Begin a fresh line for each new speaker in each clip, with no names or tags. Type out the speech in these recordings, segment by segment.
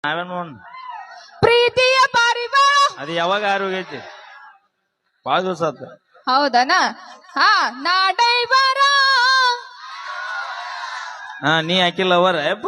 ನಾವೇನು
ಪ್ರೀತಿಯ ಪಾರಿವಾಳ
ಅದು ಯಾವಾಗ ಆರೋಗ್ಯೈತಿ ಬಾಳ ದಿವಸ ಆತ.
ಹೌದನ? ಹಾ ನಾ ಡೈವರ.
ಹಾ ನೀ ಹಾಕಿಲ್ಲ ಅವರ ಯಪ್ಪ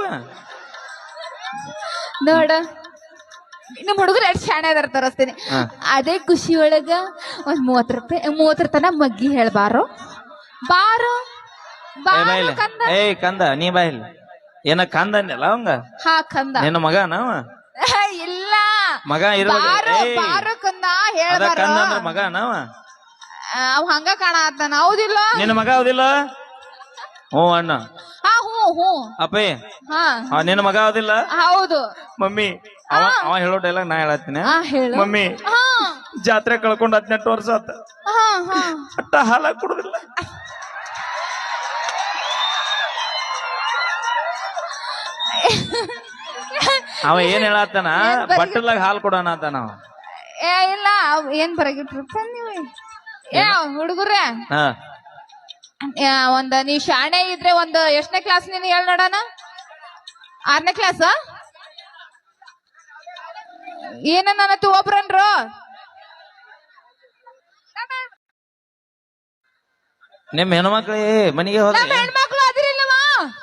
ನೋಡ ನಿಮ್ ಹುಡುಗರು ಎಷ್ಟು ಶಾಣೆ ಅದಾರ ತೋರಿಸ್ತೀನಿ. ಅದೇ ಖುಷಿ ಒಳಗ ಒಂದ್ 30 ರೂಪಾಯಿ 30 ತನ ಮಗ್ಗಿ ಹೇಳ್ಬಾರೋ ಬಾರೋ ಬಾರೋ ಕಂದ.
ಏಯ್ ಕಂದ ನೀ ಬಾಯಿಲ್ ಏನ ಕಂದ ಅಂದಲ್ಲ ಅವಂಗ.
ಹಾ ಕಂದ
ನಿನ್ನ ಮಗ ನಾವ
ಇಲ್ಲ
ಮಗ
ಬಾರೋ ಬಾರೋ ಕಂದ ಹೇಳ್ಬಾರೋ.
ಕಂದ ಅಂದ್ರ ಮಗ ನಾವ
ಅವ್ ಹಂಗ ಕಾಣತಾನ. ಹೌದಿಲ್ಲ
ನಿನ್ನ ಮಗ ಹೌದಿಲ್ಲ? ಹ್ಞೂ ಅಣ್ಣ.
ಹಾ ಹ್ಞೂ ಹ್ಞೂ
ಅಪ್ಪೇ
ಹಾ
ನಿನ್ನ ಮಗ ಹೌದಿಲ್ಲ?
ಹೌದು
ಮಮ್ಮಿ ಅವ ಹೇಳೋ ಡೈಲಾಗ್ ನಾ ಹೇಳತ್ತೀನಿ.
ಹೇಳು
ಮಮ್ಮಿ ಜಾತ್ರೆ ಕಳ್ಕೊಂಡ್ 18 ವರ್ಷ ಆತ ಅಟ್ಟ ಹಾಲ ಕುಡುದಿಲ್ಲ. ಅವ ಏನ್ ಹೇಳತ್ತಾನ ಬಟ್ಟಲಾಗ ಹಾಲು ಕೊಡೋಣ ಆತ ನಾವ.
ಇಲ್ಲ ಏನ್ ಬರಗಿಟ್ರು ನೀವು ಹುಡುಗರೇ. ಒಂದ್ ನೀ ಶಾಣೆ ಇದ್ರೆ ಒಂದ್ ಎಷ್ಟನೇ ಕ್ಲಾಸ್ ನೀನು ಹೇಳ್ ನೋಡೋಣ? 6ನೇ ಕ್ಲಾಸ್ ಏನ ನನ್ನತ್ತು ಒಬ್ರನ್ರು
ನಿಮ್ ಹೆಣ್ಮಕ್ಳು ಮನೆಗೆ ಹೋದ
ಹೆಣ್ಮಕ್ಳು ಅದಿರಿಲ್ಲವಾ?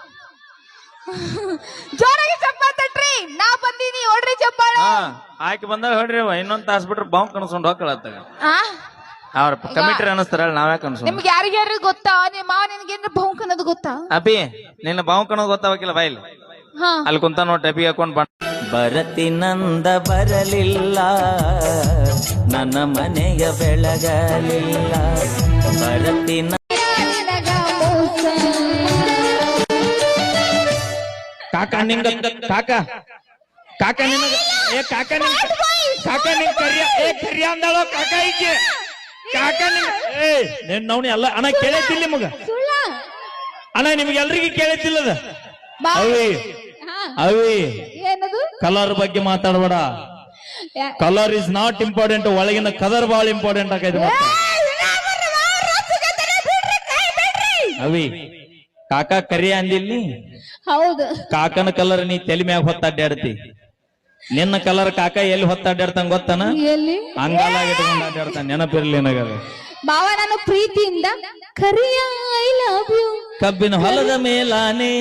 ಜೋರಾಗಿ ಚಪ್ಪಾಳೆ ತಟ್ರಿ. ನಾ ಬಂದೀನಿ ಹೊಡ್ರಿ ಚಪ್ಪಾಳೆ.
ಆಕೆ ಬಂದಾಗ ಹೊಡ್ರಿ ಇನ್ನೊಂದ್ ತಾಸ್ ಬಿಟ್ರೆ ಬಾಂಬ್ ಕನ್ಸ್ಕೊಂಡ್ ಹೋಗ್ಕಳತ್ತಾಗ ಅವ್ರ ಕಮಿಟ್ರಿ ಅನಸ್ತಾರ ನಾವ್ಯಾಕ ಅನ್ಸೋ.
ನಿಮ್ಗೆ ಯಾರಿಗ್ಯಾರು ಗೊತ್ತಾ? ನಿಮ್ಮ ಮಾವ ನಿನ್ಗೇನ್ರ ಬಹುಂಕ್ ಅನ್ನೋದು ಗೊತ್ತಾ?
ಅಪಿ ನಿನ್ನ ಬಾಂಬ್ ಅನ್ನೋದು ಗೊತ್ತಾವಕಿಲ್ಲ ಬಾಯಿಲ್ ಅಲ್ಲಿ ಕುಂತ ನೋಡಿ ಟೆಪಿ ಹಾಕೊಂಡ್ ಬರತಿನಂದ ಬರಲಿಲ್ಲ ನನ್ನ ಮನೆಯ ಬೆಳಗಲಿಲ್ಲ ಬರತಿನ ಕಾಕ ನಿಂಗ ಕಾಕ ಕಾಕ ನಿನಗ ಕಾಕ ನಿಂಗ ಕರಿಯ ಅಂದಾಳೋ ಕಾಕ ಈಕೆ ಕಾಕ ನಿನ್ ನವ್ನಿ ಅಲ್ಲ ಅಣ್ಣ ಕೇಳೈತಿಲ್ಲ ನಿಮಗ ಅಣ್ಣ ನಿಮ್ಗೆ ಎಲ್ರಿಗೂ ಕೇಳೈತಿಲ್ಲದ ಅವಿ ಅವಿ ಕಲರ್ ಬಗ್ಗೆ ಮಾತಾಡಬೇಡ. ಕಲರ್ ಇಸ್ ನಾಟ್ ಇಂಪಾರ್ಟೆಂಟ್, ಒಳಗಿನ ಕಲರ್ ಬಹಳ ಇಂಪಾರ್ಟೆಂಟ್ ಆಗೈತೆ. ಅವಿ ಕಾಕ ಕರಿಯ ಅಂದಿಲ್ಲಿ.
ಹೌದು
ಕಾಕನ ಕಲರ್ ನೀ ತಲೆ ಮ್ಯಾಗ ಹೊತ್ತಾಡ್ಯಾಡ್ತಿ. ನಿನ್ನ ಕಲರ್ ಕಾಕ ಎಲ್ಲಿ ಹೊತ್ತಾಡ್ಯಾಡ್ತಾನ ಗೊತ್ತಾನ? ಅಂಗಾಲಾಗ ಇಟ್ಕೊಂಡು ಅಡ್ಡಾಡ್ತಾನ. ನೆನಪಿರ್ಲಿ ನನಗದ
ಬಾವ. ನಾನು ಪ್ರೀತಿಯಿಂದ ಕರಿಯ ಐ ಲವ್ ಯು.
ಕಬ್ಬಿನ ಹೊಲದ ಮೇಲಾನೆ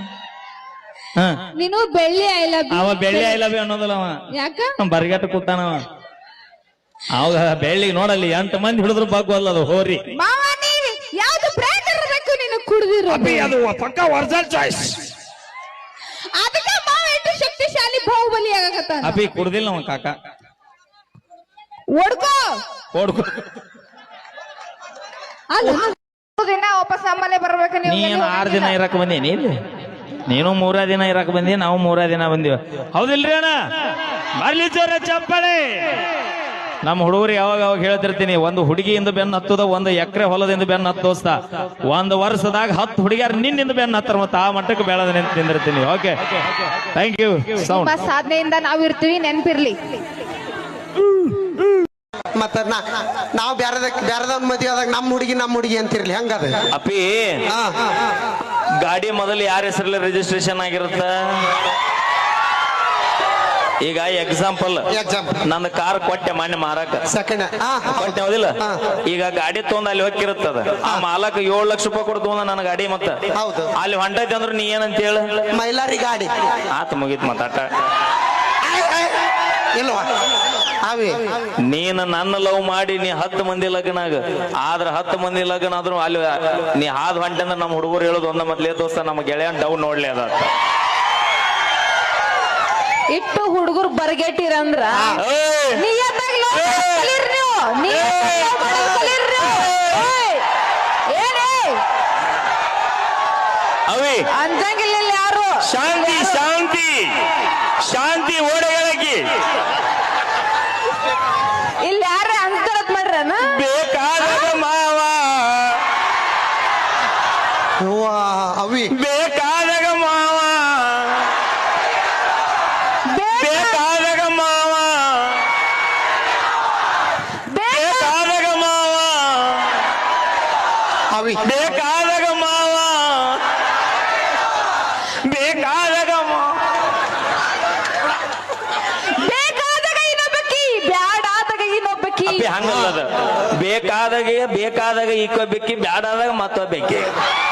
ನೀನು ಬೆಳ್ಳಿ ಐ ಲವ್ ಯು.
ಅವ ಬೆಳ್ಳಿ ಐ ಲವ್ ಯು ಅನ್ನೋದಲ್ಲ ಅವ.
ಯಾಕ
ಬರ್ಗಟ್ಟ ಕೂತಾನವ. ಅವಾಗ ಬೆಳ್ಳಿಗೆ ನೋಡಲ್ಲಿ 8 ಮಂದಿ ಹಿಡಿದ್ರು ಬಾಗುವಲ್ಲ ಅದು ಹೋರಿ.
ಬಾವ ನೀನು ಯಾವ್ದು ಬ್ರ್ಯಾಂಡ್ ಇರಬೇಕು ನೀನು ಕುಡಿದಿರೋ?
ಅದು ಪಕ್ಕಾ ಒರಿಜಿನಲ್ ಚಾಯ್ಸ್.
ಅದಕ್ಕೆ ಮಾವ ಎಷ್ಟು ಶಕ್ತಿಶಾಲಿ ಬಾಹುಬಲಿ ಆಗಕತ್ತಾನ.
ಅಪಿ ಕುಡ್ದಿಲ್ಲ ಅವ ಕಾಕ.
ಓಡ್ಕೋ
ಓಡ್ಕೋ
ದಿನ ವಾಪಸ್ ನಮ್ಮಲ್ಲೇ ಬರ್ಬೇಕು.
ನೀನು 6 ದಿನ ಇರಕ್ ಬಂದೇನಿ ಇಲ್ಲಿ. ನೀನು 3 ದಿನ ಇರಕ್ ಬಂದಿ, ನಾವು 3 ದಿನ ಬಂದಿವ. ಹೌದಿಲ್ರಿ ಅಣ್ಣ? ಬರ್ಲಿ ಜೋರ ಚಪ್ಪಳೆ. ನಮ್ಮ ಹುಡುಗರು ಯಾವಾಗ ಹೇಳ್ತಿರ್ತೀನಿ, ಒಂದು ಹುಡುಗಿಯಿಂದ ಬೆನ್ನ ಹತ್ತದ, ಒಂದು ಎಕರೆ ಹೊಲದಿಂದ ಬೆನ್ನ ಹತ್ತೋಸ್ತ, 1 ವರ್ಷದಾಗ 10 ಹುಡುಗಿಯರು ನಿನ್ನಿಂದ ಬೆನ್ನ ಹತ್ತಾರ. ಮತ್ತೆ ಆ ಮಟ್ಟಕ್ಕೆ ಬೆಳೆದ ನಿಂತಿರ್ತೀನಿ. Okay thank you.
ಸಾಧನೆಯಿಂದ ನಾವಿರ್ತೀವಿ, ನೆನಪಿರ್ಲಿ.
ಮತ್ತ ನಾವು ಬ್ಯಾರದವ್ನ ಮದುವೆ ಆದಾಗ ನಮ್ಮ ಹುಡುಗಿ ಅಂತಿರ್ಲಿ ಹಂಗದ.
ಅಪ್ಪಿ ಗಾಡಿ ಮೊದಲು ಯಾರ ಹೆಸರಲ್ಲಿ ರಿಜಿಸ್ಟ್ರೇಷನ್ ಆಗಿರುತ್ತ? ಈಗ ಎಕ್ಸಾಂಪಲ್ ನನ್ನ ಕಾರ್ ಕೊಟ್ಟೆ ಮಾನ್ಯ ಮಾರಕ ಕೊಟ್ಟೆ ಹೌದಿಲ್ಲ? ಈಗ ಗಾಡಿ ತಗೊಂಡ್ ಅಲ್ಲಿ ಹೋಗಿರುತ್ತದ. ಆ ಮಾಲಕ 7 ಲಕ್ಷ ರೂಪಾಯಿ ಕೊಡು ತಗೊಂಡ ನನ್ನ ಗಾಡಿ. ಮತ್ತ ಅಲ್ಲಿ ಹೊಂಟೈತಿ ಅಂದ್ರೆ ನೀ ಏನಂತ ಹೇಳ?
ಮೈಲಾರಿ ಗಾಡಿ
ಆತ ಮುಗೀತ್ ಮಾತಾಟ.
ಇಲ್ವಾ?
ನೀನು ನನ್ನ ಲವ್ ಮಾಡಿ ನೀ 10 ಮಂದಿ ಲಗ್ನ ಆಗ, ಆದ್ರೆ 10 ಮಂದಿ ಲಗ್ನ ಆದ್ರೂ ಅಲ್ಲಿ ನೀ ಹಾದ್ ಹೊಂಟೆ ಅಂದ್ರೆ ನಮ್ಮ ಹುಡುಗರು ಹೇಳೋದು ಒಂದ ಮೊದ್ಲೇ ದೋಸ್ತ ನಮ್ಮ ಗೆಳೆಯನ್ ಡೌನ್ ನೋಡ್ಲಿ ಅದ.
ಇಟ್ಟು ಹುಡುಗರು ಬರ್ಗೆಟ್ಟಿರಂದ್ರ
ಅವಿ
ಅಂಜಂಗಿಲ್ಲ ಯಾರು.
ಶಾಂತಿ ಶಾಂತಿ ಶಾಂತಿ ಓಡೆಗಳಕಿ
ಇಲ್ಲಿ ಯಾರ ಅನ್ಸರತ್ ಮಾಡ್ರನ?
ಬೇಕಾದಾಗ ಮಾವ
ಅವಿ
ಬೇಕಾದಾಗ ಮಾವ ಬೇಕಾದಾಗ ಮಾವ ಬೇಕಾದಾಗ ಮಾವ
ಅವಿ
ಬೇಕಾದಾಗ ಮಾವ ಬೇಕಾದಾಗ ಹಂಗಲ್ಲದ ಬೇಕಾದಾಗ ಈಕೋ ಬೆಕ್ಕಿ ಬ್ಯಾಡಾದಾಗ ಮತ್ತೊಬ್ಬ ಬೆಕ್ಕಿ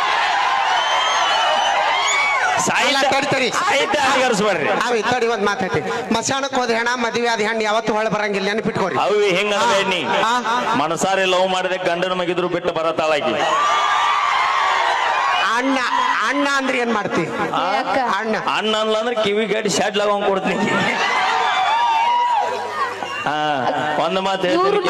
ಸಾಹಿತ್ಯ ಅಧಿಕರಿಸ್ಬೇಡ್ರಿ.
ಅವಿ ತಡಿ ಒಂದ್ ಮಾತೈತಿ. ಮಸಾಣಕ್ ಹೋದ ಹೆಣ ಮದುವೆ ಆದ ಹೆಣ್ಣು ಯಾವತ್ತು ಹೊಳ ಬರಂಗಿಲ್ಲ, ನೆನಪಿಟ್ಕೋರಿ.
ಅವಿ ಹೆಂಗ ಮನಸಾರಿ ಲವ್ ಮಾಡಿದೆ ಗಂಡನ ಮಗಿದ್ರು ಬಿಟ್ಟು ಬರತಾಳಾಕಿ.
ಅಣ್ಣ ಅಣ್ಣ ಅಂದ್ರೆ ಏನ್ ಮಾಡ್ತಿ? ಅಣ್ಣ
ಅಣ್ಣ ಅನ್ಲ ಅಂದ್ರೆ ಕಿವಿ ಗಡಿ ಶಾಡ್ ಲವ್ ಕೊಡ್ತೀನಿ. ಒಂದು ಮಾತು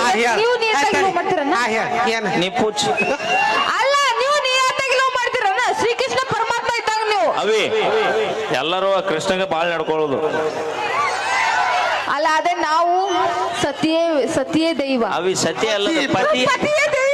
ನೀ ಪೂಚ್
ಅಲ್ಲ, ನೀವು ನಿಯತ್ತಾಗಿ ಲವ್ ಮಾಡ್ತೀರಲ್ಲ, ಶ್ರೀಕೃಷ್ಣ ಪರಮಾತ್ಮ ಇದ್ದಾಗ ನೀವು.
ಅವಿ ಎಲ್ಲರೂ ಕೃಷ್ಣಗೆ ಬಾಳ್ ನಡ್ಕೊಳ್ಳೋದು
ಅಲ್ಲ, ಅದೇ ನಾವು ಸತಿಯೇ ದೈವ.
ಅವಿ ಸತ್ಯ ಅಲ್ಲ,
ಪತಿಯೇ ದೈವ.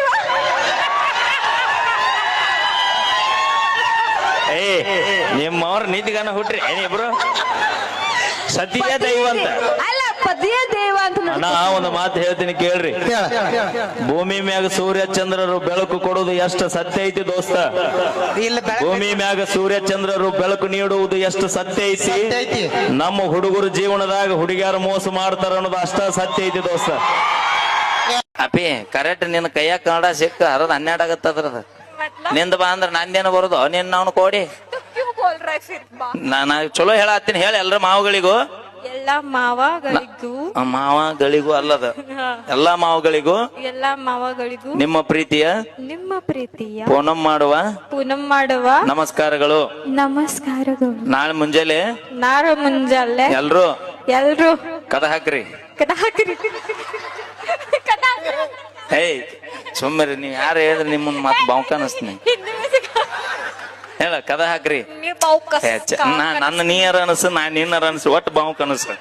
ನಿಮ್ಮವ್ರ ನೀತಿಗಾನ ಹುಟ್ರಿ ಏನಿಬ್ರು ಸತಿಯೇ ದೈವ ಅಂತ.
ಅಲ್ಲ, ಪತಿಯೇ ದೈವ ಅಂತ.
ಅಣ್ಣ ಒಂದು ಮಾತು ಹೇಳ್ತೀನಿ ಕೇಳ್ರಿ. ಭೂಮಿ ಮ್ಯಾಗ ಸೂರ್ಯ ಚಂದ್ರರು ಬೆಳಕು ಕೊಡುವುದು ಎಷ್ಟು ಸತ್ಯ ಐತಿ ದೋಸ್ತ? ಭೂಮಿ ಮ್ಯಾಗ ಸೂರ್ಯ ಚಂದ್ರರು ಬೆಳಕು ನೀಡುವುದು ಎಷ್ಟು ಸತ್ಯ ಐತಿ? ನಮ್ಮ ಹುಡುಗರು ಜೀವನದಾಗ ಹುಡುಗಿಯರು ಮೋಸ ಮಾಡ್ತಾರ ಅನ್ನೋದು ಅಷ್ಟ ಸತ್ಯ ಐತಿ ದೋಸ್ತ. ಅಪಿ ಕರೆಕ್ಟ್ ನಿನ್ನ ಕೈಯಾಗ ಕನ್ನಡ ಸಿಕ್ಕ ಅರದ 12 ಆಗತ್ತದ್ರದ. ನಿಂದ ಬಾ ಅಂದ್ರ ನಂದೇನು ಬರೋದು ನಿನ್ನ ಅವನು ಕೊಡಿ. ನಾನು ಚಲೋ ಹೇಳತ್ತೀನಿ, ಹೇಳಿ ಎಲ್ರ ಮಾವುಗಳಿಗೂ.
ಎಲ್ಲಾ
ಮಾವಗಳಿಗೂ ಅಲ್ಲದ ಎಲ್ಲಾ ಮಾವುಗಳಿಗೂ ನಿಮ್ಮ ಪ್ರೀತಿಯ ಪೂನಂ ಮಾಡುವ ನಮಸ್ಕಾರಗಳು. ನಾಳೆ ಮುಂಜಾನೆ ಎಲ್ರು ಕದ ಹಾಕ್ರಿ. ಏಯ್ ಸುಮ್ಮರಿ, ನೀವ್ ಯಾರು ಹೇಳಿದ್ರೆ ನಿಮ್ಮನ್ ಮತ್ ಬಾವುಕ ಅನಸ್ತೀನಿ. ಹೇಳ ಕದ ಹಾಕ್ರಿ. ನನ್ನ ನೀರ ಅನಸು, ನಾ ನಿನ್ನರ ಅನಸು, ಒಟ್ಟು ಬಾವುಕ ಅನಸು.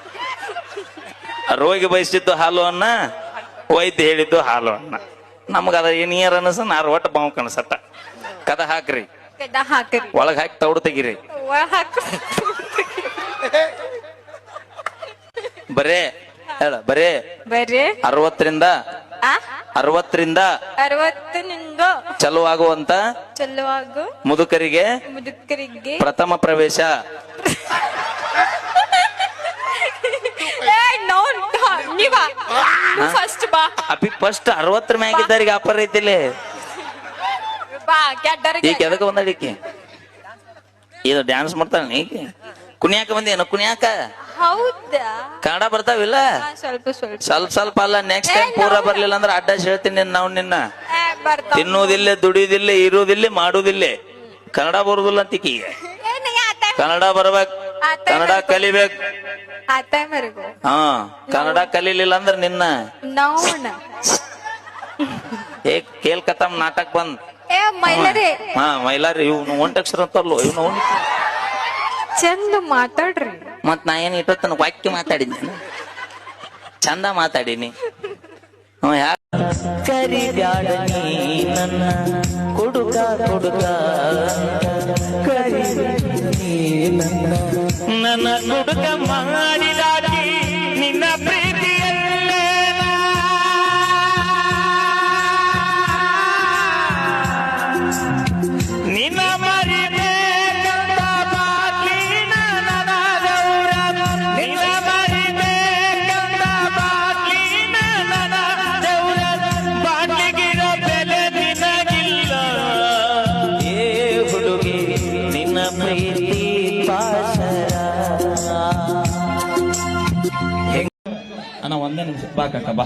ರೋಗಿ ಬಯಸಿದ್ದು ಹಾಲು ಅನ್ನ, ವೈದ್ಯ ಹೇಳಿದ್ದು ಹಾಲು ಅನ್ನ. ನಮಗದ ನೀರ ಅನಸು, ನಾರ ಒಟ್ಟು ಬಾವುಕ ಅನಸಟ್ಟ. ಕದ ಹಾಕ್ರಿ. ಒಳಗ್ ಹಾಕಿ ತೌಡು ತೆಗಿರಿ. ಬರೇ 60ರಿಂದ ಚಲುವಾಗುವಂತ ಮುದುಕರಿಗೆ ಪ್ರಥಮ ಪ್ರವೇಶ. ಅಪಿ ಫಸ್ಟ್ 60 ಮ್ಯಾಗಿದ್ದರಿಗೆ ಆಫರ್ ಐತಿಲ್ಲಿ. ಈಗ ಎದಕ್ಕೆ ಬಂದಡಿಕೆ ಇದು ಡ್ಯಾನ್ಸ್ ಮಾಡ್ತಾಳ ನೀ ಕುಣಿಯಾಕ ಬಂದೇನು? ಕುಣಿಯಾಕ ಕನ್ನಡ ಬರ್ತಾವಿಲ್ಲ? ಸ್ವಲ್ಪ ಅಲ್ಲ, ನೆಕ್ಸ್ಟ್ ಟೈಮ್ ಪೂರ ಬರ್ಲಿಲ್ಲ ಅಂದ್ರೆ ಅಡ್ಡ ಹೇಳ್ತೀನಿ ನಾವು ನಿನ್ನ. ತಿನ್ನುವುದಿಲ್ಲ, ದುಡಿಯುವುದಿಲ್ಲ, ಇರುವುದಿಲ್ಲ, ಮಾಡುವುದಿಲ್ಲ. ಕನ್ನಡ ಬರುದಿಲ್ಲ ಅಂತಿಕಿ. ಕನ್ನಡ ಬರ್ಬೇಕು, ಕನ್ನಡ ಕಲಿಬೇಕು. ಕನ್ನಡ ಕಲೀಲಿಲ್ಲ ಅಂದ್ರೆ ನಿನ್ನ ಕೇಲ್ಕತ್ತಮ್ ನಾಟಕ ಬಂದ್. ಮೈಲಾರಿ ಇವ್ನು ಒಂಟಕ್ಷರ ಅಂತಲ್ಲೋ ಇವ್ನು.
ಚಂದ ಮಾತಾಡ್ರಿ.
ಮತ್ ನಾ ಏನ್ ಇಟ್ಟೊತ್ತನ ವಾಕ್ಯ ಮಾತಾಡಿದ್ನಿ, ಚಂದ ಮಾತಾಡಿನಿ. ಕರಿಬ್ಯಾಡ ನೀ ನನ್ನ ಕೊಡುಕ ನನ್ನ ಕೊಡುಕ ಮಾಡಿದಾಗಿ ನಿನ್ನ ಪ್ರೀತಿಯಲ್ಲೇ ನಿನ್ನ ಒಂದೇ ನಿಮಿಷ ಬಾ ಕಾಕ ಬಾ.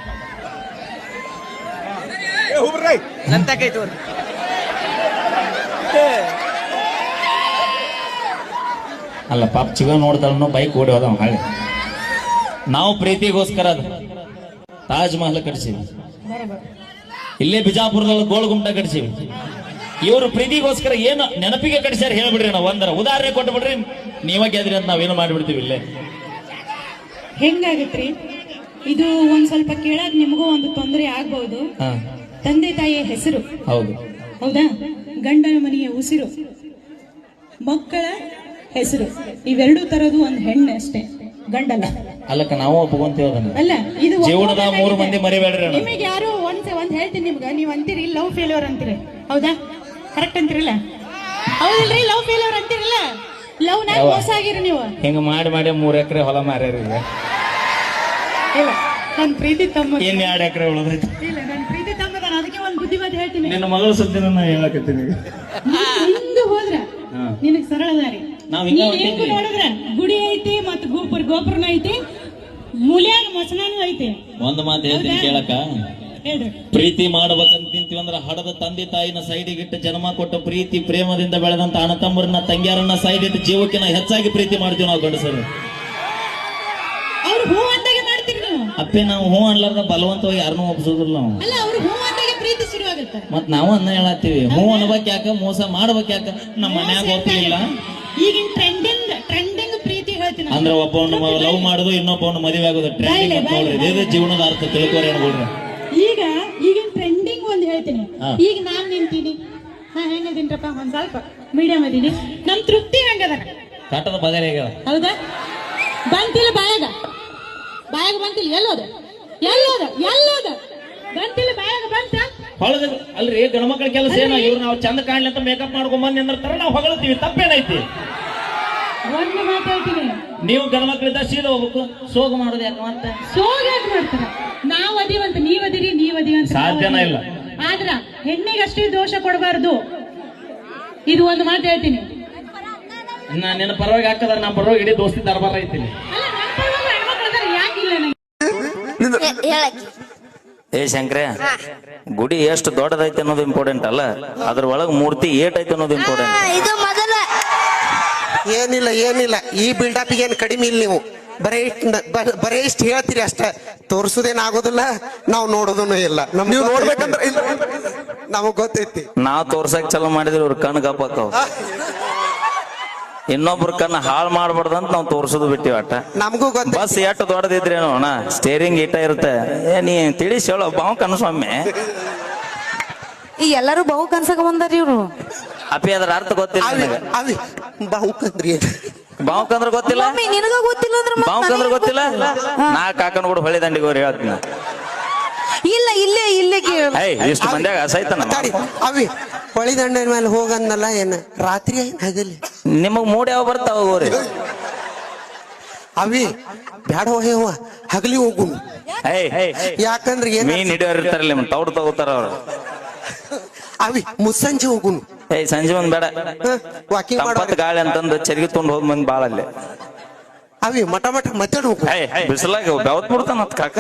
ಅಲ್ಲ ಪಾಪ ಚಿಗ ನೋಡ್ತಾಳ ಬೈಕ್ ಓಡಿ ಹೋದ ಹಾಳೆ. ನಾವು ಪ್ರೀತಿಗೋಸ್ಕರ ತಾಜ್ ಮಹಲ್ ಕಟ್ಸಿವಿ, ಇಲ್ಲೇ ಬಿಜಾಪುರದಲ್ಲಿ ಗೋಲ್ ಗುಮ್ಟ ಕಟ್ಸಿವಿ. ಇವರು ಪ್ರೀತಿಗೋಸ್ಕರ ಏನು ನೆನಪಿಗೆ ಕಟ್ಸ್ಯಾರ ಹೇಳ್ಬಿಡ್ರಿ. ನಾವು ಒಂದರ ಉದಾಹರಣೆ ಕೊಟ್ಟು ಬಿಡ್ರಿ, ನೀವ ಗೆದ್ರಿ ಅಂತ ನಾವೇನು ಮಾಡ್ಬಿಡ್ತೀವಿ. ಇಲ್ಲೇ
ಹೆಂಗಾಗತ್ರಿ ಇದು? ಒಂದ್ ಸ್ವಲ್ಪ ಕೇಳಾಗ ನಿಮಗೂ ಒಂದು ತೊಂದರೆ ಆಗ್ಬಹುದು. ತಂದೆ ತಾಯಿಯ ಹೆಸರು
ಹೌದು,
ಹೌದಾ? ಗಂಡನ ಮನೆಯ ಉಸಿರು, ಮಕ್ಕಳ ಹೆಸರು, ಇವೆರಡು ತರದು ಒಂದ್ ಹೆಣ್ಣು ಅಷ್ಟೇ, ಗಂಡಲ್ಲ.
ಅಲ್ಲಕ್ಕ ನಾವು ಒಪ್ಕೊಂತೀವಿ ಅದನ್ನ.
ಅಲ್ಲ, ಇದು
ಜೀವನದ 3 ಮಂದಿ ಮರಿಬೇಡ್ರಿ.
ನಿಮಗೆ ಯಾರು ಒಂದ್ ಹೇಳ್ತೀನಿ ನಿಮ್ಗ, ನೀವ್ ಅಂತೀರಿ ಲವ್ ಫೇಲ್ಯೂರ್ ಅಂತೀರಿ, ಹೌದಾ? ಕರೆಕ್ಟ್ ಅಂತೀರಲ್ಲ? ಹೌದಿಲ್ರಿ? ಲವ್ ಫೇಲ್ಯೂರ್ ಅಂತೀರಲ್ಲ, ಲವ್ ನಾಗ ಮೋಸ ಆಗಿರಿ ನೀವು.
ಹಿಂಗ ಮಾಡಿ 3 ಎಕರೆ ಹೊಲ ಮಾರ್ಯಾರ.
ಇಲ್ಲ ನನ್ ಪ್ರೀತಿ ತಮ್ಮ
ಏನ್ 2 ಎಕರೆ ಉಳಿದೈತಿ
ಇಲ್ಲ ನನ್ ಪ್ರೀತಿ ತಮ್ಮದಾನ ಅದಕ್ಕೆ ಒಂದ್ ಬುದ್ಧಿವಾದ ಹೇಳ್ತೀನಿ.
ನಿನ್ನ ಮಗಳ ಸುದ್ದಿನ ನಾ ಹೇಳಕತ್ತೀನಿ
ಹಿಂಗ ಹೋದ್ರ ನಿನಗ್ ಸರಳ ದಾರಿ.
ನಾವ್ ಹಿಂಗ
ನೀನ್ ಹೆಂಗ್ ನೋಡಿದ್ರ ಗುಡಿ ಐತಿ ಮತ್ತ ಗೋಪುರನ ಐತಿ, ಮೂಲ್ಯಾಗ ಮಸನಾನು ಐತಿ.
ಒಂದ್ ಮಾತು ಹೇಳ್ತೀನಿ ಕೇಳಕ,
ಹೇಳ್ರಿ.
ಪ್ರೀತಿ ಮಾಡ್ಬೇಕಂತ ತಿಂತೀವಿ ಅಂದ್ರ ಹಡದ ತಂದೆ ತಾಯಿನ ಸೈಡಿಗಿಟ್ಟು ಜನ್ಮ ಕೊಟ್ಟ ಪ್ರೀತಿ ಪ್ರೇಮದಿಂದ ಬೆಳೆದಂತ ಅಣ್ಣ ತಮ್ಮರನ್ನ ತಂಗಿಯರನ್ನ ಸೈಡ್ ಇಟ್ಟು ಜೀವಕ್ಕಿನ ಹೆಚ್ಚಾಗಿ ಪ್ರೀತಿ ಮಾಡ್ತೀವಿ ನಾವು ಗಂಡಸರು.
ಅವ್ರು ಹೂ ಅಂದಾಗೆ ಮಾಡ್ತೀರಿ ನೀವು.
ಅಪ್ಪೆ ನಾವು ಹೂ ಅನ್ಲಾರ್ದ ಬಲವಂತವಾಗಿ ಯಾರನ್ನೂ ಒಪ್ಸೋದಿಲ್ಲ ನಾವು.
ಅಲ್ಲ ಅವ್ರು ಹೂ ಅಂದಾಗೆ ಪ್ರೀತಿ ಶುರುವಾಗುತ್ತೆ.
ಮತ್ ನಾವು ಅನ್ನ ಹೇಳತ್ತೀವಿ, ಹೂ ಅನ್ಬೇಕ್ ಯಾಕ, ಮೋಸ ಮಾಡ್ಬೇಕ್ ಯಾಕ, ನಮ್ಮ ಮನ್ಯಾಗ ಒಪ್ಪಿಲ್ಲ.
ಈಗಿನ ಟ್ರೆಂಡಿಂಗ್ ಪ್ರೀತಿ ಹೇಳ್ತೀನಿ
ಅಂದ್ರೆ ಒಬ್ಬವನ್ನ ಲವ್ ಮಾಡೋದು ಇನ್ನೊಬ್ಬವನ್ನ ಮದುವೆ ಆಗೋದು ಟ್ರೆಂಡಿಂಗ್ ನೋಡ್ರಿ. ಇದೇ ಜೀವನದ ಅರ್ಥ ತಿಳ್ಕೋರಿ ಅನ್ಕೊಡ್ರಿ.
ಈಗಿನ ಟ್ರೆಂಡಿಂಗ್ ಒಂದ್ ಹೇಳ್ತೀನಿ. ಈಗ ನಾನ್ ನಿಂತೀನಿ, ಹೆಂಗದೀನ್ರಪ್ಪ ಒಂದ್ ಸ್ವಲ್ಪ ಮೀಡಿಯಂ ಅದೀನಿ, ನಮ್ ತೃಪ್ತಿ ಹಂಗದ
ಕಾಟದ ಬಗೆರೆ ಆಗ್ಯಾವ.
ಹೌದಾ? ಬಂತಿಲ್ಲ ಬಾಯಾಗ ಬಂತಿಲ್ಲ, ಎಲ್ಲೋದ ಬಂತಿಲ್ಲ ಬಾಯಾಗ ಬಂತ.
ಹೊಳದ ಅಲ್ರಿ ಗಣಮಕ್ಳ ಕೆಲಸ ಏನ, ಇವ್ರು ನಾವು ಚಂದ ಕಾಣ್ಲಿ ಅಂತ ಮೇಕಪ್ ಮಾಡ್ಕೊಂಡ್ ಬಂದ್ ನಿಂದಿರ್ತಾರ, ನಾವು ಹೊಗಳ್ತೀವಿ, ತಪ್ಪೇನೈತಿ?
ಒಂದು ಮಾತು ಹೇಳ್ತೀನಿ,
ನೀವು ಗಣಮಕ್ಳಿದ್ದ ಸೀದಾ ಹೋಗ್ಬೇಕು, ಸೋಗ ಮಾಡೋದು ಯಾಕ ಅಂತ
ಸೋಗ ಯಾಕೆ ಮಾಡ್ತಾರ? ನಾವ್ ಅದೀವಂತ ನೀವದಿವಂತ
ಸಾಧ್ಯನ ಇಲ್ಲ.
ಆದ್ರ ಹೆಣ್ಣಿಗೆ ಅಷ್ಟೇ ದೋಷ ಕೊಡಬಾರ್ದು. ಇದು ಒಂದು ಮಾತು ಹೇಳ್ತೀನಿ.
ನಿನ್ನ ಪರವಾಗಿ ಹಾಕದ್ರ ನಾ ಪರವಾಗಿ ಇಡೀ ದೋಸ್ತಿ ದರ್ಬಾರ ಐತೀನಿ.
ಅಲ್ಲ ನನ್ನ ಪರವಾಗಿ ಹೆಣ್ಮಕ್ಳು ಅದಾರ, ಯಾಕಿಲ್ಲ ನಂಗೆ?
ಏ ಶಂಕ್ರೆ, ಗುಡಿ ಎಷ್ಟು ದೊಡ್ಡದೈತೆ ಅನ್ನೋದು ಇಂಪಾರ್ಟೆಂಟ್ ಅಲ್ಲ, ಅದ್ರ ಒಳಗ್ ಮೂರ್ತಿ ಏಟೈತೆ ಅನ್ನೋದು ಇಂಪಾರ್ಟೆಂಟ್.
ಇದು ಮೊದಲ
ಏನಿಲ್ಲ ಈ ಬಿಲ್ಡಪ್ ಏನ್ ಕಡಿಮೆ ಇಲ್ಲ. ನೀವು ಬರೇ ಇಷ್ಟ ಹೇಳ್ತೀರಿ ಅಷ್ಟ, ತೋರ್ಸುದೇನ್ ಆಗೋದಿಲ್ಲ, ನಾವು ನೋಡೋದನ್ನು ಇಲ್ಲ. ನೀವು ನೋಡ್ಬೇಕಂದ್ರೆ ನಮಗ್ ಗೊತ್ತೈತಿ.
ನಾವ್ ತೋರ್ಸಕ್ ಚಲೋ ಮಾಡಿದ್ರೆ ಇವ್ರ ಕಣ್ ಗಪ್ಪಾಕವ್, ಇನ್ನೊಬ್ರ ಕಣ್ಣ ಹಾಳು ಮಾಡ್ಬಾರ್ದಂತ ನಾವ್ ತೋರ್ಸೋದು ಬಿಟ್ಟಿವಿ. ಅಟ್ಟ
ನಮಗೂ ಗೊತ್ತ.
ಬಸ್ ಎಷ್ಟು ದೊಡ್ಡದಿದ್ರೇನು ಅಣ್ಣ, ಸ್ಟೇರಿಂಗ್ ಇಟ್ಟ ಇರುತ್ತೆ. ನೀ ತಿಳಿಸಿ ಹೇಳೋ ಬಾವು ಕನಸ್ವಾಮಿ.
ಈ ಎಲ್ಲರೂ ಬಹು ಕನ್ಸಕ ಬಂದಾರ ಇವ್ರು.
ಅಪ್ಪಿ ಅದ್ರ ಅರ್ಥ ಗೊತ್ತಿಲ್ಲ ನನಗೆ.
ಬಾವುಕಂದ್ರಿ ಏನ್?
ಬಾವುಕಂದ್ರ ಗೊತ್ತಿಲ್ಲ,
ನಿನಗ ಗೊತ್ತಿಲ್ಲ ಅಂದ್ರೆ
ಬಾವುಕಂದ್ರ ಗೊತ್ತಿಲ್ಲ. ನಾ ಕಾಕನ ಕೂಡ ಹೊಳಿ ದಂಡಿಗೆ ಹೋರಿ ಹೇಳ್ತೀನಿ.
ಇಲ್ಲ ಇಲ್ಲೇ ಕೇಳ.
ಇಷ್ಟು ಮಂದ್ಯಾಗ ಸೈತನ
ಅವಿ ಹೊಳಿ ದಂಡ ಮೇಲೆ ಹೋಗಂದಲ್ಲ, ಏನ ರಾತ್ರಿ ಏನ್ ಹಗಲಿ?
ನಿಮಗ್ ಮೂಡ್ ಯಾವ ಬರ್ತಾವ ಹೋಗ್ರಿ.
ಅವಿ ಬ್ಯಾಡ ಹೋಯವ್ವ, ಹಗಲಿ ಹೋಗು. ಯಾಕಂದ್ರೆ ಏನ್
ಮೀನ್ ಹಿಡಿಯೋರ್ ಇರ್ತಾರಲ್ಲ, ನಿಮ್ ತೌಡ್ ತಗೋತಾರ ಅವ್ರು.
ಅವಿ ಮುಸ್ಸಂಜೆ ಹೋಗುನು.
ಸಂಜೆ ಒಂದ್ ಬೇಡ,
ವಾಕಿಂಗ್
ತಂಪತ್ ಗಾಳಿ ಅಂತಂದು ಚರ್ಗಿ ತೊಂಡ್ ಹೋದ್ ಮಂದಿ ಬಾಳ ಅಲ್ಲೇ.
ಅವಿ ಮಠ ಮತ್ತಾಡ ಹೋಗು.
ಬಿಸಿಲಾಗ ಬೆವತ್ ಬಿಡ್ತಾನ ಕಾಕ.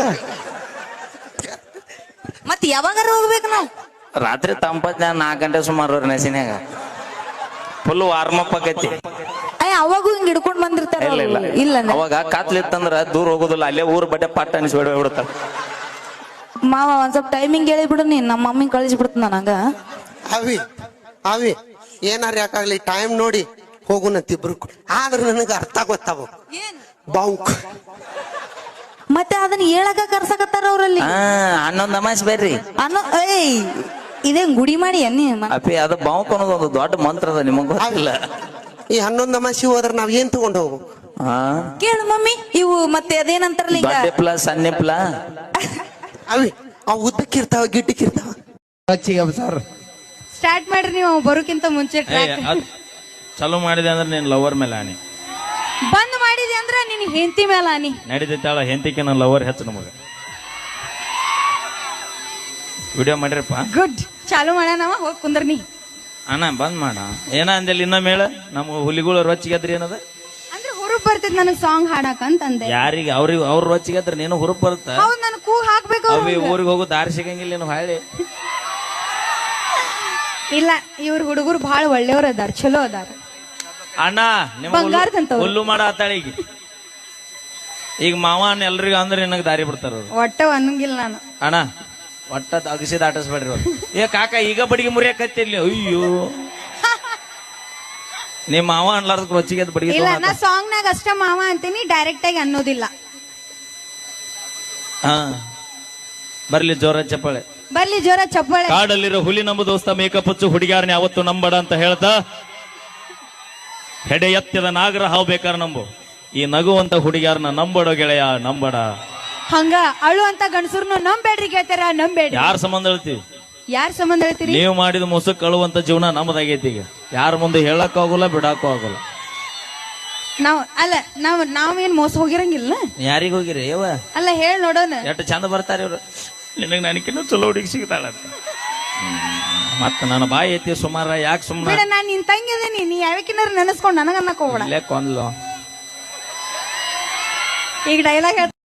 ಮತ್ ಯಾವಾಗಾರ ಹೋಗ್ಬೇಕು ನಾವು?
ರಾತ್ರಿ ತಂಪತ್ 4 ಗಂಟೆ ಸುಮಾರು ನೆಸಿನ್ಯಾಗ ಫುಲ್ ವಾರ್ಮಪ್ ಆಕೈತಿ.
ಅವಾಗೂ ಹಿಂಗ್ ಹಿಡ್ಕೊಂಡ್ ಬಂದಿರ್ತಾರ. ಇಲ್ಲ
ಅವಾಗ ಕಾತ್ಲಿತ್ತಂದ್ರ ದೂರ ಹೋಗುದಿಲ್ಲ, ಅಲ್ಲೇ ಊರ್ ಬಟ್ಟೆ ಪಟ್ಟ ಅನಿಸಿ ಬಿಡ್ತಾರ.
ಮಾವ ಒಂದ್ ಸ್ವಲ್ಪ ಟೈಮಿಂಗ್ ಹೇಳಿ ಬಿಡು, ನೀನ್ ನಮ್ಮ ಮಮ್ಮಿ ಕಳಿಸಿ ಬಿಡ್ತ ನನಗ.
ಅವಿ ಏನಾರ ಯಾಕಾಗ್ಲಿ ಟೈಮ್ ನೋಡಿ ಹೋಗುನಂತಿಬ್ರು. ಆದ್ರ ನನಗ ಅರ್ಥ ಗೊತ್ತಾವ ಬಾವುಕ್.
ಮತ್ತೆ ಅದನ್ನ ಹೇಳಕ ಕರ್ಸಕತ್ತಾರ ಅವ್ರಲ್ಲಿ.
11 ಅಮಾಸ್ ಬರ್ರಿ
ಇದೇನ್ ಗುಡಿ ಮಾಡಿ ಅನ್ನಿ
ಅಪ್ಪಿ. ಅದು ಬಾವುಕ್ ಅನ್ನೋದು ಒಂದು ದೊಡ್ಡ ಮಂತ್ರ ಅದ, ನಿಮಗ್ ಗೊತ್ತಿಲ್ಲ.
ಈ 11 ಅಮಾಸಿ ಹೋದ್ರ ನಾವ್ ಏನ್ ತಗೊಂಡ್ ಹೋಗು?
ಕೇಳು ಮಮ್ಮಿ, ಇವು ಮತ್ತೆ ಅದೇನಂತಾರಲ್ಲ ಈಗ
ದೊಡ್ಡಪ್ಲ ಸಣ್ಣಪ್ಲ.
ಅವಿ ಅವ್ ಉದ್ದಕ್ಕಿರ್ತಾವ ಗಿಡ್ಡಕ್ಕಿರ್ತಾವ.
ಸ್ಟಾರ್ಟ್ ಮಾಡ್ರಿ ನೀವು ಬರೋಕ್ಕಿಂತ ಮುಂಚೆ.
ಚಲೋ ಮಾಡಿದೆ ಅಂದ್ರೆ ನೀನ್ ಲವರ್ ಮೇಲೆ ಆನಿ,
ಬಂದ್ ಮಾಡಿದೆ ಅಂದ್ರೆ ನಿನ್ ಹೆಂಡತಿ ಮೇಲೆ ಆನಿ.
ನಡೀತಾಳ ಹೆಂಡತಿಗೆ ನನ್ನ ಲವರ್ ಹೆಚ್ಚು ನಮಗ. ವಿಡಿಯೋ ಮಾಡಿರಪ್ಪ,
ಗುಡ್. ಚಾಲು ಮಾಡೋಣವ, ಹೋಗಿ ಕುಂದ್ರ ನೀ.
ಅಣ್ಣ ಬಂದ್ ಮಾಡ. ಏನ ಅಂದೇಲಿ ಇನ್ನೊಮ್ಮೆ ಹೇಳ, ನಮ್ಗ ಹುಲಿಗಳು ರೊಚ್ಚಿಗೆದ್ರಿ ಏನದ
ಅಂದ್ರೆ ಹುರುಪ್ ಬರ್ತೈತಿ ನನಗ್ ಸಾಂಗ್ ಹಾಡಕ್ ಅಂತಂದೆ.
ಯಾರಿಗೆ? ಅವ್ರ ರೊಚ್ಚಿಗೆದ್ರ ನೀನು ಹುರುಪ್ ಬರುತ್ತ.
ಹೌದ್, ನನ್ ಕೂ ಹಾಕ್ಬೇಕು.
ಅವಿ ಊರಿಗೆ ಹೋಗೋ ದಾರಿ ಸಿಗಂಗಿಲ್ಲ ಏನು ಹಾಳಿ.
ಇಲ್ಲ, ಇವ್ರ ಹುಡುಗರು ಬಹಳ ಒಳ್ಳೆಯವ್ರ ಅದಾರ, ಚಲೋ ಅದಾರ.
ಅಣ್ಣ
ಬಂಗಾರದಂತವ್ರು.
ಹುಲ್ಲು ಮಾಡ ಆತಾಳಿಗೆ ಈಗ ಮಾವ ಎಲ್ರಿಗೂ ಅಂದ್ರೆ ನಿನಗ್ ದಾರಿ ಬಿಡ್ತಾರ ಅವ್ರು.
ಒಟ್ಟ ಅನ್ನಂಗಿಲ್ಲ ನಾನು.
ಅಣ್ಣ ಒಟ್ಟ ಅಗಸಿದ ಆಟಸ್ಬೇಡ್ರಿ ಅವ್ರು. ಏ ಕಾಕ ಈಗ ಬಡಿಗೆ ಮುರಿಯಕತ್ತಿರ್ಲಿ. ಅಯ್ಯೋ ನಿಮ್ ಮಾವ ಅನ್ಲಾರ್ದ ರೊಚ್ಚಿಗೆ ಬಡಿಗೆ.
ಇಲ್ಲ, ನಾ ಸಾಂಗ್ ನಾಗ ಅಷ್ಟ ಮಾವ ಅಂತೀನಿ, ಡೈರೆಕ್ಟ್ ಆಗಿ ಅನ್ನೋದಿಲ್ಲ.
ಹಾ ಬರ್ಲಿ ಜೋರ ಚಪ್ಪಾಳೆ,
ಬರ್ಲಿ ಜೋರ ಚಪ್ಪಾಳೆ.
ಕಾಡಲ್ಲಿರೋ ಹುಲಿ ನಮ್ಮ ದೋಸ್ತ ಮೇಕಪ್ ಹಚ್ಚು ಹುಡುಗಿಯಾರನ್ನ ಯಾವತ್ತು ನಂಬಡ ಅಂತ ಹೇಳ್ತಾ, ಹೆಡೆ ಎತ್ತದ ನಾಗರ ಹಾವು ಬೇಕಾರ ನಂಬು, ಈ ನಗುವಂತ ಹುಡುಗಿಯಾರನ್ನ ನಂಬಡೋ ಗೆಳೆಯ ನಂಬಡ.
ಹಂಗ ಅಳು ಅಂತ ಗಂಡಸರ್ನು ನಂಬೇಡ್ರಿ ಗೆಳತಾರ, ನಂಬೇಡ್ರಿ.
ಯಾರ ಸಂಬಂಧ ಹೇಳ್ತೀವಿ?
ಯಾರ ಸಂಬಂಧ ಹೇಳ್ತೀರಿ?
ನೀವು ಮಾಡಿದ ಮುಸುಕ್ ಅಳುವಂತ ಜೀವನ ನಮ್ಮದಾಗೈತಿ. ಈಗ ಯಾರ ಮುಂದೆ ಹೇಳಕ್ಕೂ ಆಗೋಲ್ಲ, ಬಿಡಕ್ಕೂ ಆಗೋಲ್ಲ.
ನಾವೇನ್ ಮೋಸ ಹೋಗಿರಂಗಿಲ್ಲ.
ಯಾರಿಗ ಹೋಗಿರಿ ಯವ್ವ
ಅಲ್ಲ ಹೇಳಿ ನೋಡೋಣ.
ಎಷ್ಟು ಚಂದ ಬರ್ತಾರೆ ಇವ್ರು.
ನಿನಗೆ ನನಗಿನ್ನೂ ಚಲೋ ಹುಡುಗಿ ಸಿಗ್ತಾಳಂತ. ಮತ್ತ ನನ್ನ ಬಾಯಿ ಐತಿ ಸುಮಾರ ಯಾಕೆ
ಬೇಡ,
ಸುಮ್ಮನೆ
ನಾನ್ ನಿನ್ ತಂಗಿ ಅದೇನಿ, ನೀ ಯಾವಕ್ಕಿನಾರ ನೆನೆಸ್ಕೊಂಡ್ ನನಗ ಅನ್ನಕ್ ಹೋಗ್ಬೇಡ.
ಇಲ್ಲೇ ಕೊಂದ್ಲು
ಈಗ ಡೈಲಾಗ್